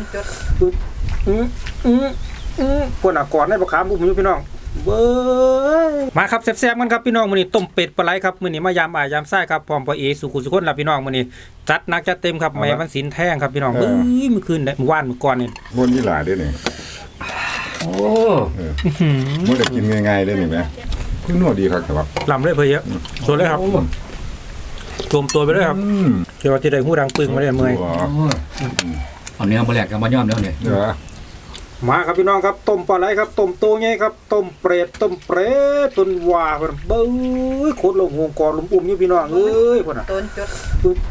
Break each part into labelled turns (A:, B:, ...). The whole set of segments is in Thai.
A: จุดปวดหนักก่อนให้ประคามบุ้มอยู่พี่น้องเบ้ยมาครับแซ่บๆกันครับพี่น้องมื้อนี้ต้มเป็ดปลาไหลครับมื้อนี้มายามอ้ายยามไส้ครับพร้อมพ่อเอสุขุสุคนล่ะพี่น้องมื้อนี้จัดหนักจัดเต็มครับแม่มันสินแท่งครับพี่น้องเอ้ยเมื่อคืนได้เมื่อวานเมื่อก่อนนี่
B: บนยี่หลาด้วยนี่
C: โอ้
B: มันจะกินง่ายๆได้นี่ไหมคุณนวดดีครับแต่ว่า
A: ลำเลยเพื่อเยอะสวยเลยครับรวมตัวไปเลยครับเกี่ยวกับที่ได้หูดังปึงมาเลยเมื่อย
C: เอาเนื้อมาแหลกกันมาย่อมแล้วเนี่ย
A: มาครับพี่น้องครับต้มปลาไหลครับต้มโตไงครับต้มเปรตต้นว่าเพิ่นเบ้ยโคตรลงหงกอลมอุ้มอยู่พี่น้องเอ้ยพุ่นน่ะต้นจุด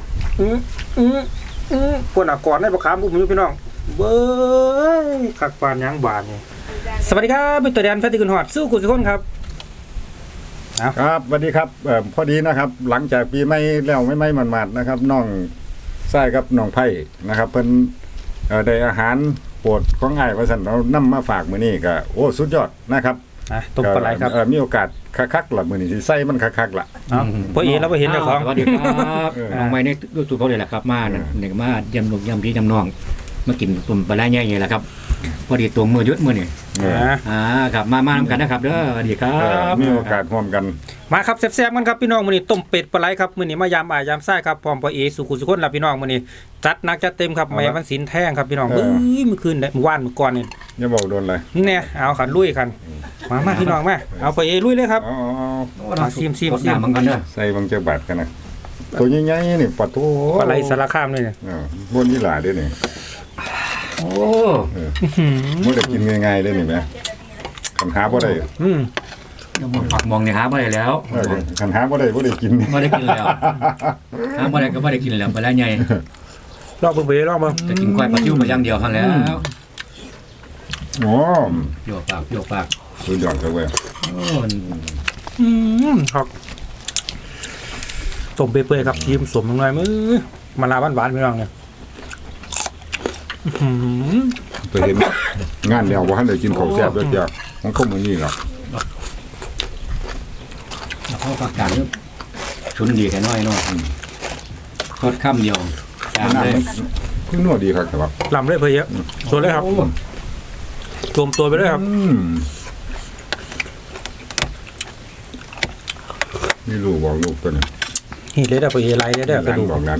A: พุ่นน่ะก่อนให้ประคามอุ้มอยู่พี่น้องเบ้ยคักปานยังบานนี่สวัสดีครับเป็นตัวแดนแฟนที่คุณฮอดสู้คุณทุกคนครับ
B: ครับสวัสดีครับพอดีนะครับหลังจากปีใหม่แล้วไม่หมาดๆนะครับน้องไส้กับน้องไผ่นะครับเพิ่นได้อาหารโปรดของอ้ายว่าซั่นเรานำมาฝากมื้อนี้ก็โอ้สุดยอดนะครับ
A: ต้มปลาไหลครับ
B: มีโอกาสคักๆล่ะมื้อนี้สิใส่มันคักๆล่ะ
A: พ่อเอเราบ่เห็นเจ้าของ
C: สวัสดีครับน้องไม้นี่รู้สึกเขาเลยแหละครับมาเนี่ยมาเยี่ยมลูกเยี่ยมพี่ยำน้องมากินต้มปลาไหลใหญ่ๆแหละครับพอดีตัวมือยุดมื้อนี่ครับมานำกันนะครับเด้อสวัสดีครับ
B: มีโอกาสร่วมกัน
A: มาครับแซ่บๆกันครับพี่น้องมื้อนี้ต้มเป็ดปลาไหลครับมื้อนี้มายามอ้ายยามไส้ครับพร้อมพ่อเอสุขุสุคนล่ะพี่น้องมื้อนี้จัดหนักจัดเต็มครับแม่มันสินแท่งครับพี่น้องเอ้ยเมื่อคืนได้เมื่อวานเมื่อก่อนนี่
B: อย่าบอกโดนเลย
A: เนี่ยเอาขันลุยกันมาพี่น้องมาเอาไปเอลุยเลยครับซิม
C: มันกันเด้อ
B: ใส่บางเจ้าบาทกันนะตัวใหญ่ๆนี่ปะโถ
A: ปลาไหลสารคามเลยเนี่ย
B: บนยี่หลาด้วยนี่
C: โอ้
B: มันจะกินง่ายๆได้นี่ไหมขันหาบ่ได้
C: ผักมองเนี่ยหาบ่ได้แล้ว
B: ขันหาบ่ได้กิน
C: บ่ได้กินแล้วหาบ่ได้ก็บ่ได้กินแล้วปลาไหลใหญ่
A: ลองเบิ่งไปลองเบิ่ง
C: จะกินก้อยปลาซิวมาอย่างเดียวคั่นแล้ว
B: โอ้
C: โยกปาก
B: สุดยอดเลยเว้ย
A: ครับต้มเปื่อยๆครับชิมสมลงหน่อยมื้อมะนาวหวานๆพี่น้องเนี่ย
B: ไปเห็นงานแล้วว่าท่านได้กินข้าวแซ่บด้วยจ้ะของข้าวมื้อนี้หรอก
C: แล้วก็ผักกาดชุนดีแค่น้อยเนาะทอดค่ำเดียวจานเลย
B: คุณนวดดีครับแต่ว่า
A: ลำเลยเพื่อเยอะสวยเลยครับรวมตัวไปเลยครับ
B: นี่ลูกบอกลูกตัวนี้
A: นี่เลยได้ไปเอไลได้ได้
B: กระดูกบอกนั้น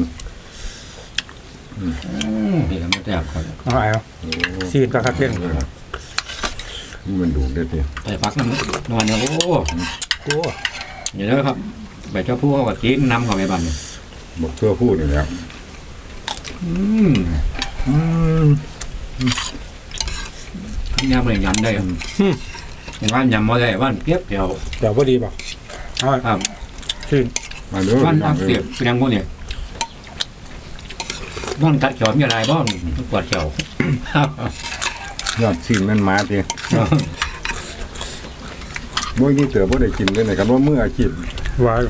C: นี่ก็ไม่แตกคน
A: เอาไอ้ซีนก็คัดเล่น
B: นี่มันดูได้ที
C: แต่พักนอนเนี่ยโอ้เดี๋ยวนะครับใบเจ้าผู้เขาก็กินน้ำของไอ้บันเนี่ย
B: บอกเชื่อพูดนี่แล้ว
C: ยำเลยยำได้อย่างว่ายำมาได้ว่านเปียบเดียว
A: พอดีป่ะ
C: ครับ
A: ซีน
B: มาดู
C: ว่านเปียบเป็นยังไงเนี่ยบ้านกัดเขียวมีอะไรบ้างปวดเขียวย
B: อดชิมนั่นมาทีบ่นี่เต๋อบ่ได้กินเลยนะครับว่าเมื่ออาชีพ
A: ว้าว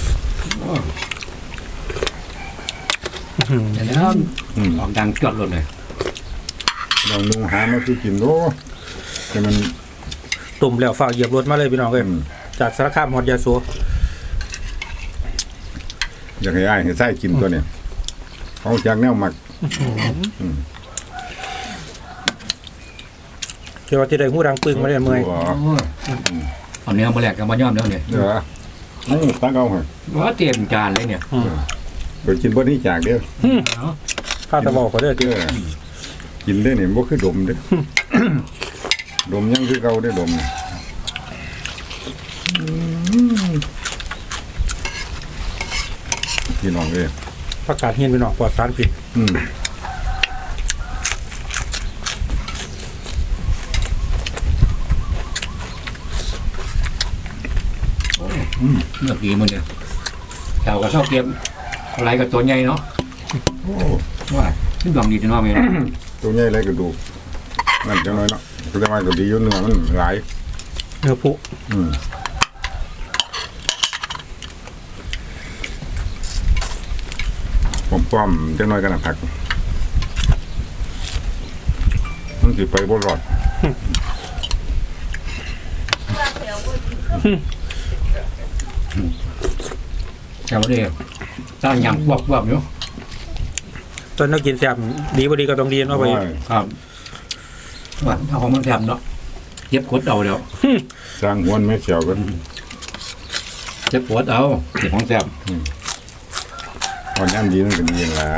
C: แล้วออกดังจอดรถเลย
B: ลองนุ่งหามาที่กินโลแต่มัน
A: ตุ่มแล้วฝากเหยียบรถมาเลยพี่น้องเอ้ยจากสารคามฮอดยาโส
B: อยากให้อ้ายให้ไส้กินตัวนี้เขาจากแนวหมัก
A: เกี่ยวกับที่ได้หูดังปึงมาเลยเมื่อย
C: เอาเนื้อมาแหลกกันมาย่อมแล้วเนี่ย
B: นี่ตั้งเอาเหรอ
C: ว่าเตรียมจานเลยเนี่ย
B: ไปกินบ่นี้จากเด้อ
A: ข้าวตะบอกเขาเด้อ
B: กินได้เนี่ยบ่คือดมเด้อดมยังคือเก่าได้ดมพี่น้องเลย
A: ประกาศเฮียนพี่น้องปลอดสารพิษ
C: เลือกดีมันเนี่ยเจ้าก็ชอบเก็บอะไรกับตัวใหญ่เนาะว่าที่ดองดีจะน้อยไหม
B: ตัวใหญ่อะไรก็ดูนั่นจังน้อยเนาะตัวใหญ่ก็ดีอยู่เนื้อมันหลาย
A: เนื้อผู้
B: ป้อมจังน้อยกันนะผักมันสิไปบ่รอด
C: เจ้าเดียวตั้งยำวับอยู่
A: ตอนเรากินแซ่บดีบ่ดีก็ต้องดีเนาะไป
C: ครับว่าเอาของมันแถมเนาะเย็บกดเอาเดี๋ยว
B: สร้างหัวไม่เสียวกัน
C: เย็บกดเอาเก็บของแถม
B: ตอนย่ำดีมันก็ดีละ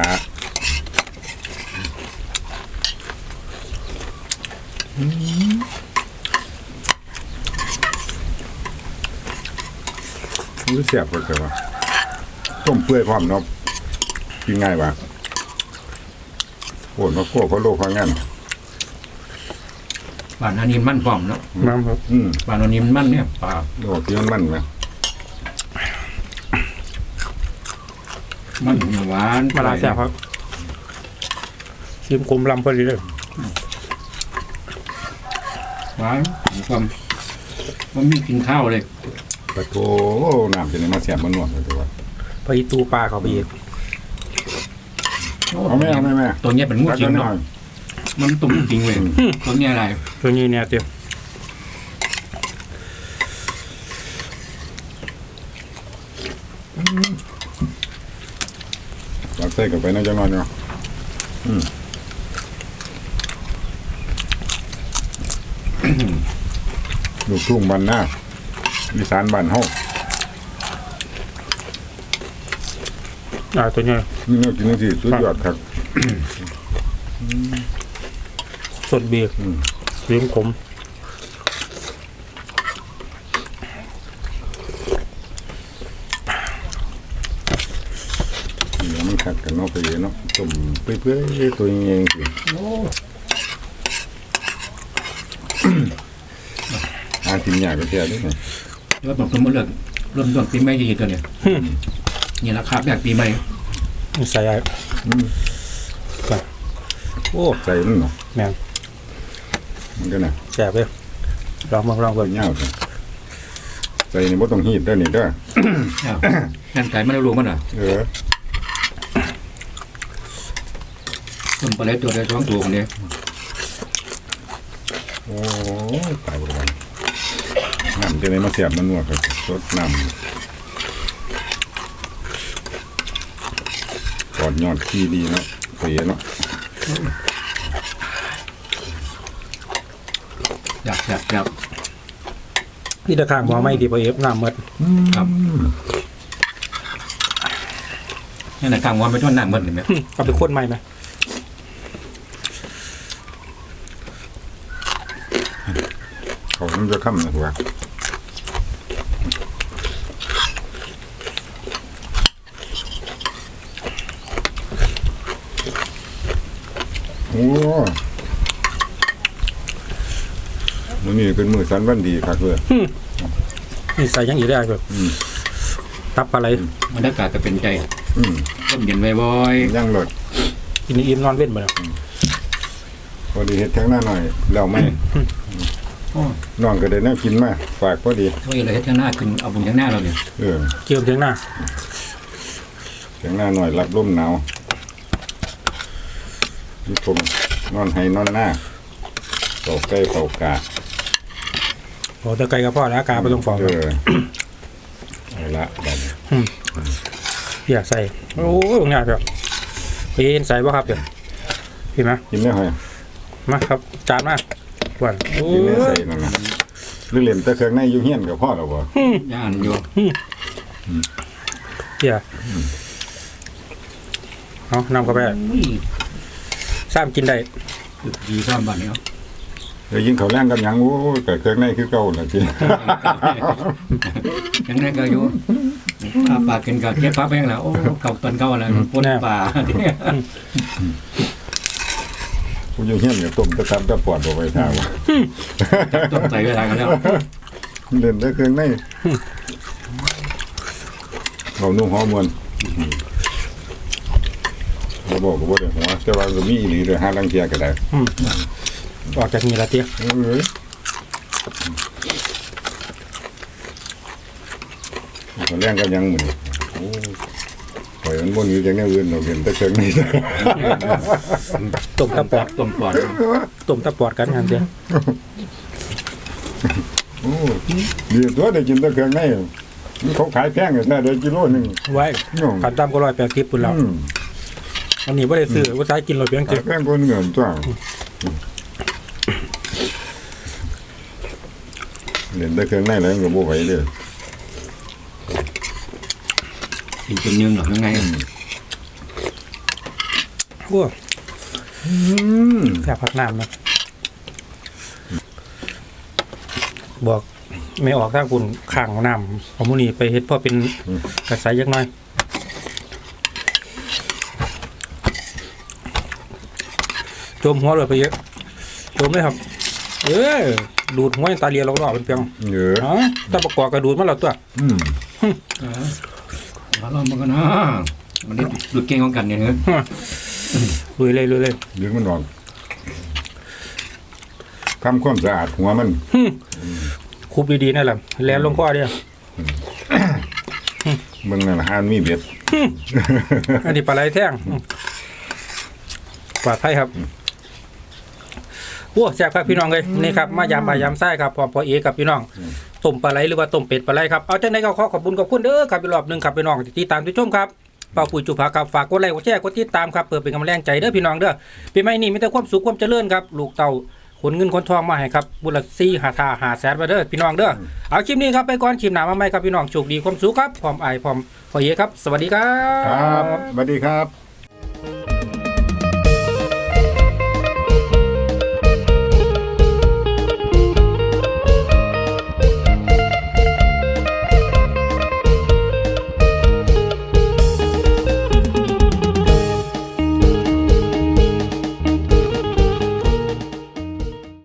B: รู้เสียบก็แต่ว่าต้มเปื่อยพร้อมเนาะกินง่ายปะโอ้มาคั่วเพราะโลกเขางั้น
C: บ้านอันนี้มันพร้อมเนาะ
A: น้ำครับ
C: บ้านอันนี้มันเนี่ยปลา
B: โลกที่มันไหม
C: มันหวาน
A: มาลาแซ่บครับชิมคมลำพอดีเลย
C: หวานมีความมันมีกินข้าวเลย
B: ปะโถน้ำจะได้มาเสียบมันนวดเลยแต่ว่า
A: พออีตูปลาเข้าไปอีก
B: เอาไหมเอาไหมแม่
C: ตัวเนี้ยเป็นงูจริงเนาะมันตุ่มจริงเว้ยตัวเนี้ยอะไร
A: ตัวนี้เนี่ยเตียว
B: เราใส่กับไปน่าจะนอนเนาะลูกทุ่งบ้านหน้าอีสานบ้านเฮา
A: ตัวนี้
B: นี่เนาะกินจังซี่สุดยอดครับ
A: สดเบียร์ชิมขม
B: เดี๋ยวมันขัดกันเนาะไปเนาะต้มเปื่อยๆตัวใหญ่ๆสิ
C: โอ้
B: หากินยากก็แค่นี้ไง
C: แล้วบอกสมมติเลยเริ่มต้นปีใหม่ดีตัวเนี่ยนี่ราคาแบบปีใหม่
A: ใส่ไอ้โอ้
B: ใส่มันเนาะ
A: แม่ง
B: มันก็น่ะ
A: แซ่บเลยลองเบิ่ง
B: ยาวใส่นี่บ่ต้องฮีดเด้อนี่เด้อ
C: งานไก่มันรู้มันอ่ะ
B: เออ
C: ต้นปลาไหลตัวใดสองตัวคนนี้
B: โอ้ตายบ่ได้น้ำจะได้มาเสียบมันนวดครับสดน้ำกอดยอดขี้ดีเนาะไปเนาะ
C: อยาก
A: นี่ตะข้างหมอไม่ดีพอเอฟน้ำหมด
C: ครับนี่ไหนกลางวันไปต้นหน้ามันเห็นไหม
A: เอาไปข้นใหม่ไหม
B: เขามันจะค่ำนะหัวโอ้มื้อนี้เป็นมื้อสันวันดีครับเพื่อ
A: นี่ใส่ยังอีกได้แบบตับปลาไหล
C: บรรยากาศก็เป็นใจ
B: อืม
C: ต้มเย็นบ่อย
B: ย่างรถ
A: กินอิ่มนอนเว้นบ่เนาะ
B: พอดีเฮ็ดทั้งหน้าหน่อยแล้วไม่
C: ๆโอ้
B: น้องก็ได้แนวกินมาฝากพอดี
C: ช่วยอะไรให้ข้างหน้าขึ้นเอาบุญข้างหน้าเราเนี่ย
B: เออ
A: เกี่ยวถึงหน้า
B: ทั้งหน้าหน่อยรับลมหนาวนี่ผมนอนให้นอนหน้าเป่าใกล้เป่ากา
A: โอ้ตะไคร้กับพ่อแล้วกาไปตรงฟอง
B: เออเอาละบัดนี้
A: อย่าใส่โอ้ยตรงนี้เดี๋ยวพี่เห็นใส่บ่ครับเดี๋ยวพี่มา
B: กินได้ไหม
A: มาครับจานมาหวานโอ้
B: กินได้ใส่
A: ย
B: นั่นนะหรือเหลี่ยมแต่เครื่องในอยู่เฮียนกับพ่อเราบ่
C: ย่านอยู่
A: อย่าเอานำเข้าไปซ้ำกินได้
C: ดีซ้ำบ้านนี้
B: เดี๋ยวยิงเขาวแรงกับหยังโอ้ยแต่เครื่องในคือเก่าล่ะกิน
C: ยังไงก็อยู่อาปากกินกับเก็บพับแห้งแล้วโอ้เก่าตอนเก่าแล้วปนป่า
B: กูอยู่เฮียนกับต้มตะตับตะปอดบ่ไปท่าว่า
C: ต้องใส่เวลากันแล้ว
B: เล่นแต่เครื่องในเรานุ่งหอมมวนเราบอกก็บ่ได้หัวแต่ว่าก็มีอีหลีเด้อหาลังเทียก็ได้
A: ออกจากนี่ละเตี้ย
B: เอ้ยเขาแรงกับหยังหมื้อนี้โอ้ข่อยมันบ่หนีจากแนวอื่นเราเห็นแต่เครื่องใน
A: ต้มตะปอด
C: ต้มปอด
A: ต้มตะปอดกันกันเตี้ย
B: โอ้ดีตัวได้กินแต่เครื่องในมันเขาขายแพงแท้ๆได้กิโลนึง
A: ไว้
B: น้อง
A: ขันตามก็180ปุ่นแล้ว
B: อืม
A: อันนี้บ่ได้ซื้อว่าใช้กินรถเพียง
B: แป้งคนเหงื่อจ้าเล่นได้เครื่องในแล้วก็บ่ไหวเด้อ
C: กินจนเนื้อหน่อยยังไง
A: โอ้แซ่บผักน้ำนะบอกไม่ออกถ้าคุณข้างน้ำของมูนี่ไปเฮ็ดพ่อเป็นกระสายยักหน่อยโจมหัวเลยไปเยอะโจมเลยครับดูดหัวตาเลียเราก็เป็นเพียง
B: เยอะ
A: อ๋อถ้าประกอบกระดูดมาแล้วตัว
C: มาลองมากันนะมันได้ดูดเก่งของกันเนี่ยเนอะ
A: ลุยเลย
B: ดึงมันออกทำความสะอาดหัวมัน
A: คุบดีๆนั่นแหละแล้วลงคอเดียว
B: เบิ่งนั่นหานมีเบ็ด
A: อันนี้ปลาไหลแท่งปลอดภัยครับโอ้แซ่บครับพี่น้องเลยนี่ครับมายามบ่ายยามไส้ครับพร้อมพอเอกับพี่น้องต้มปลาไหลหรือว่าต้มเป็ดปลาไหลครับเอาจังได๋ก็ขอบคุณขอบคุณเด้อครับอีกรอบนึงครับพี่น้องที่ติดตามที่ชมครับเป่าปุ๋ยจุภาครับฝากกดไลค์กดแชร์กดติดตามครับเพื่อเป็นกำลังใจเด้อพี่น้องเด้อปีใหม่นี้มีแต่ความสุขความเจริญครับลูกเต่าขนเงินขนทองมาให้ครับบุญละ4-5 แสนมาเด้อพี่น้องเด้อเอาคลิปนี้ครับไปก่อนคลิปหน้ามาใหม่ครับพี่น้องโชคดีความสุขครับพร้อมไอพร้อมพอเอครับสวัสดีครั
B: ครับ
A: บ
B: สวัสดีครับ